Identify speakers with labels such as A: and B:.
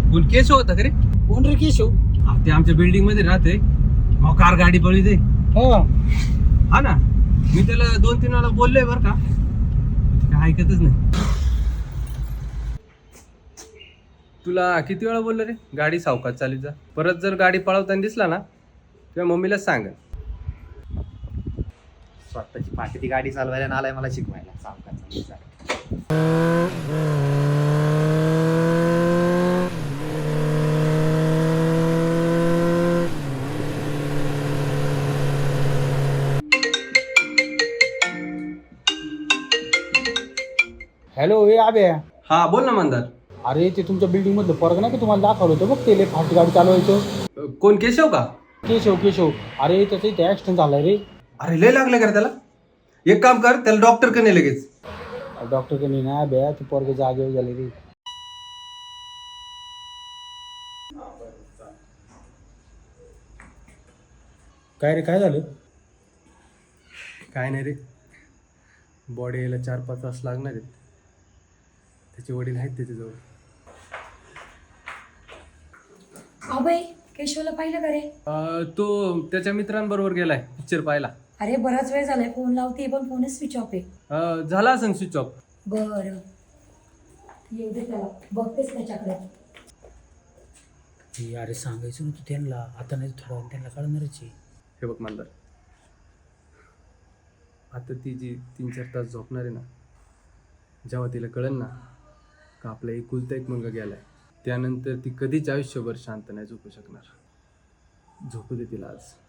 A: कोण केशव होता का रे?
B: कोण रे केशव?
A: ते आमच्या बिल्डिंग मध्ये राहते. मग कार गाडी पळी दे.
B: हा
A: हा ना, मी त्याला 2-3 वेळा बोललोय बर का, ते काय ऐकतच नाही. तुला किती वेळा बोललो रे गाडी सावकाश चालीत जा. परत जर गाडी पळवताना दिसला ना तुझ्या मम्मीलाच सांग.
C: स्वतःची पाठी ती गाडी चालवायला नालाय मला शिकवायला सावकाश.
B: हॅलो हे आबे.
A: हा बोल ना मंदार.
B: अरे ते तुमच्या बिल्डिंग मधलं पोरग नाही का तुम्हाला दाखवलं होतं बघ, ते लय फास्ट गाडी चालवायचं.
A: कोण केशव का?
B: केशव केशव. अरे त्याचं इथे ऍक्सिडेंट झालाय रे.
A: अरे लय लागलं का त्याला? एक काम कर, त्याला डॉक्टर कडे लगेच.
B: डॉक्टर कडे नाही बे, ते पोरग जागेवर झाले रे. काय रे काय झालं?
A: काय नाही रे, बॉडी यायला 4-5 तास लागणार आहेत. त्याचे वडील आहेत त्याच्याजवळ.
D: अभय केशवला पाहिलं का रे?
A: तो त्याच्या मित्रांबरोबर गेलाय पिक्चर पाहायला.
D: अरे बराच वेळ झालाय फोन लावते पण फोनच स्विच ऑफ आहे.
A: झाला असेल स्विच ऑफ.
D: बरं येऊ दे त्याला, बघतेच त्याच्याकडे.
B: अरे सांगायचं ना तू त्यांना, आता नाही थोडा वेळ त्यांना कळणारच आहे.
A: हे बघ मंदार, आता ती जी 3-4 तास झोपणार आहे ना, जेव्हा तिला कळेल ना का आपला एकुलता एक मुलगा गेलाय, त्यानंतर ती कधीच आयुष्यभर शांत नाही झोपू शकणार. झोपू दे तिला आज.